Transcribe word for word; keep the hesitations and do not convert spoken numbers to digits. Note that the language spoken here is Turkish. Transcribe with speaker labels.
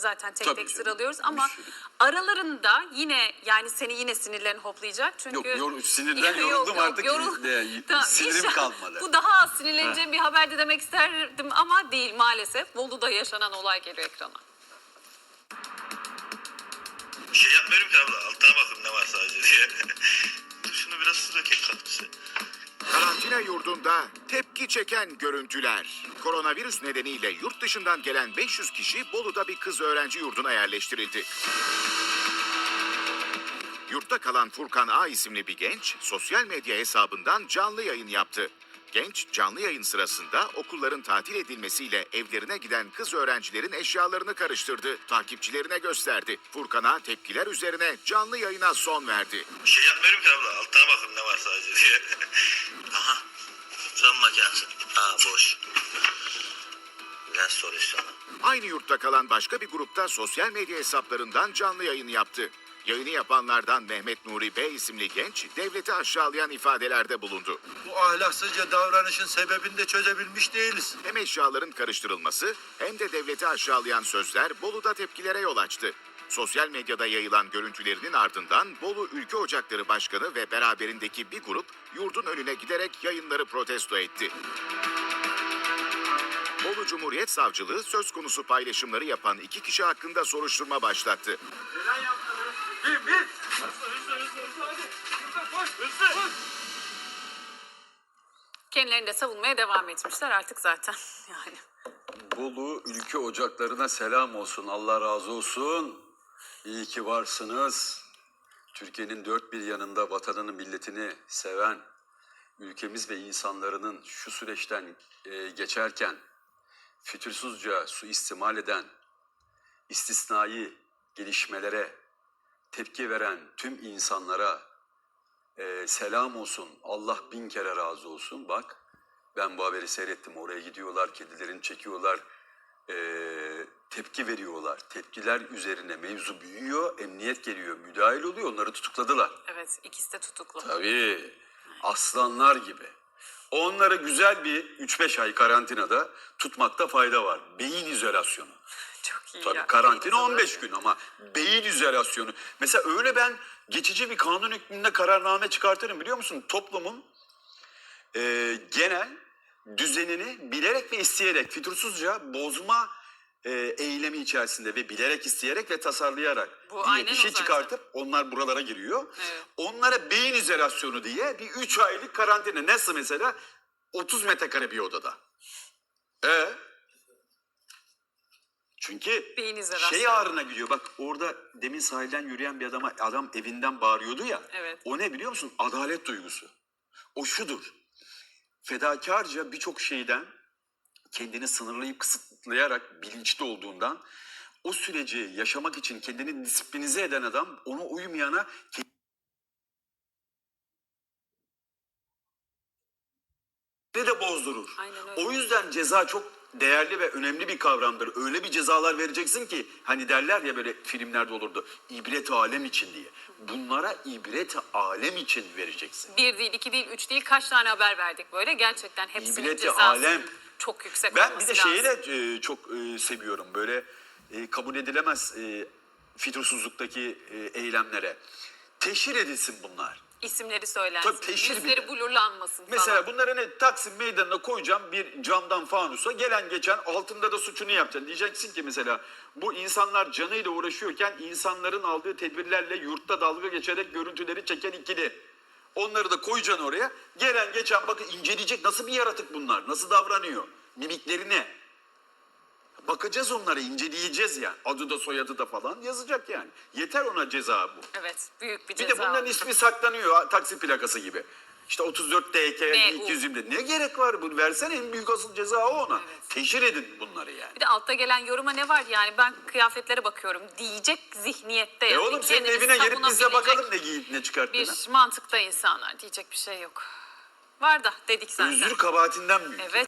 Speaker 1: Zaten tek
Speaker 2: Tabii
Speaker 1: tek
Speaker 2: canım,
Speaker 1: sıralıyoruz
Speaker 2: bir
Speaker 1: ama
Speaker 2: sürü.
Speaker 1: aralarında yine yani seni yine sinirlerin hoplayacak çünkü
Speaker 2: Yok, yor- sinirden
Speaker 1: Yok,
Speaker 2: yoruldum
Speaker 1: yok,
Speaker 2: artık.
Speaker 1: yorul-
Speaker 2: Ne,
Speaker 1: Tamam,
Speaker 2: sinirim
Speaker 1: inşallah
Speaker 2: kalmadı.
Speaker 1: Bu daha az sinirleneceğim bir haberdi demek isterdim ama değil maalesef. Bolu'da yaşanan olay geliyor ekrana.
Speaker 3: Bir şey yapmıyorum ki abla. Altına bakın ne var sadece diye. Dur şunu biraz su dökeyim kaktüse.
Speaker 4: Karantina yurdunda tepki çeken görüntüler. Koronavirüs nedeniyle yurt dışından gelen beş yüz kişi Bolu'da bir kız öğrenci yurduna yerleştirildi. Yurtta kalan Furkan A isimli bir genç sosyal medya hesabından canlı yayın yaptı. Genç canlı yayın sırasında okulların tatil edilmesiyle evlerine giden kız öğrencilerin eşyalarını karıştırdı. Takipçilerine gösterdi. Furkan'a tepkiler üzerine canlı yayına son verdi.
Speaker 3: Bir şey yapmıyorum ki abla. Altına bakın ne var sadece diye. Aha. Son makinesi. Aa boş. Lens solüsyonu.
Speaker 4: Aynı yurtta kalan başka bir grupta sosyal medya hesaplarından canlı yayın yaptı. Yayını yapanlardan Mehmet Nuri Bey isimli genç devleti aşağılayan ifadelerde bulundu.
Speaker 5: Bu ahlaksızca davranışın sebebini de çözebilmiş değiliz.
Speaker 4: Hem eşyaların karıştırılması hem de devleti aşağılayan sözler Bolu'da tepkilere yol açtı. Sosyal medyada yayılan görüntülerinin ardından Bolu Ülke Ocakları Başkanı ve beraberindeki bir grup yurdun önüne giderek yayınları protesto etti. Bolu Cumhuriyet Savcılığı söz konusu paylaşımları yapan iki kişi hakkında soruşturma başlattı.
Speaker 1: Kendilerini de savunmaya devam etmişler artık zaten yani.
Speaker 2: Bolu ülke ocaklarına selam olsun. Allah razı olsun. İyi ki varsınız. Türkiye'nin dört bir yanında vatanını, milletini seven, ülkemiz ve insanların şu süreçten e, geçerken fütursuzca suistimal eden, istisnai gelişmelere tepki veren tüm insanlara e, selam olsun. Allah bin kere razı olsun. Bak ben bu haberi seyrettim. Oraya gidiyorlar, kedilerini çekiyorlar, e, tepki veriyorlar. Tepkiler üzerine mevzu büyüyor, emniyet geliyor, müdahil oluyor. Onları tutukladılar.
Speaker 1: Evet, ikisi de tutuklu.
Speaker 2: Tabii. Aslanlar gibi. Onları güzel bir üç beş ay karantinada tutmakta fayda var. Beyin izolasyonu.
Speaker 1: Çok iyi
Speaker 2: Tabii
Speaker 1: ya.
Speaker 2: karantina on beş gün ama beyin izolasyonu. Mesela öyle ben geçici bir kanun hükmünde kararname çıkartırım biliyor musun? Toplumun e, genel düzenini bilerek ve isteyerek, fütursuzca bozma e, eylemi içerisinde ve bilerek, isteyerek ve tasarlayarak
Speaker 1: Bu
Speaker 2: diye
Speaker 1: aynen
Speaker 2: bir
Speaker 1: o
Speaker 2: şey
Speaker 1: zaten.
Speaker 2: çıkartıp onlar buralara giriyor.
Speaker 1: Evet.
Speaker 2: Onlara beyin izolasyonu diye bir üç aylık karantina. Nasıl mesela? otuz metrekare bir odada. E Çünkü
Speaker 1: Beyin izolasyonu.
Speaker 2: şey ağrına gidiyor. Bak orada demin sahilden yürüyen bir adama adam evinden bağırıyordu ya.
Speaker 1: Evet.
Speaker 2: O ne biliyor musun? Adalet duygusu. O şudur. Fedakarca birçok şeyden kendini sınırlayıp kısıtlayarak bilinçli olduğundan o süreci yaşamak için kendini disiplinize eden adam ona uymayana kendini de bozdurur.
Speaker 1: Aynen öyle.
Speaker 2: O yüzden ceza çok değerli ve önemli bir kavramdır. Öyle bir cezalar vereceksin ki hani derler ya böyle filmlerde olurdu. İbret alem için diye. Bunlara ibret alem için vereceksin.
Speaker 1: Bir değil, iki değil, üç değil kaç tane haber verdik böyle. Gerçekten hepsinin
Speaker 2: İbreti
Speaker 1: cezası
Speaker 2: alem.
Speaker 1: çok yüksek
Speaker 2: Ben
Speaker 1: olması
Speaker 2: bir de
Speaker 1: lazım.
Speaker 2: şeyi de e, çok e, seviyorum. Böyle e, kabul edilemez e, fütursuzluktaki e, eylemlere. Teşhir edilsin bunlar.
Speaker 1: İsimleri söylensin.
Speaker 2: Tabii teşhir
Speaker 1: Yüzleri
Speaker 2: bile.
Speaker 1: blurlanmasın
Speaker 2: Mesela
Speaker 1: falan.
Speaker 2: bunları ne Taksim Meydanı'na koyacağım bir camdan fanusa. Gelen geçen altında da suçunu yapacaksın. Diyeceksin ki mesela bu insanlar canıyla uğraşıyorken insanların aldığı tedbirlerle yurtta dalga geçerek görüntüleri çeken ikili. Onları da koyacaksın oraya. Gelen geçen bakın inceleyecek nasıl bir yaratık bunlar. Nasıl davranıyor. Mimikleri ne? Bakacağız onlara, inceleyeceğiz yani. Adı da soyadı da falan yazacak yani. Yeter ona ceza bu.
Speaker 1: Evet, büyük bir
Speaker 2: Bir
Speaker 1: ceza.
Speaker 2: de bunların ismi saklanıyor taksi plakası gibi. İşte otuz dört D K
Speaker 1: Ne,
Speaker 2: iki yüz yirmi. Ne gerek var bunu? Versene en büyük asıl ceza o ona.
Speaker 1: Evet.
Speaker 2: Teşhir edin bunları yani.
Speaker 1: Bir de altta gelen yoruma ne var yani ben kıyafetlere bakıyorum diyecek zihniyette.
Speaker 2: E
Speaker 1: yani.
Speaker 2: oğlum senin
Speaker 1: Kendini
Speaker 2: evine gelip biz de
Speaker 1: savunabilecek
Speaker 2: bakalım ne giyip ne çıkarttığına.
Speaker 1: Bir mantıkta insanlar diyecek bir şey yok. Var da dedik zaten.
Speaker 2: Özür kabahatinden büyük.
Speaker 1: Evet.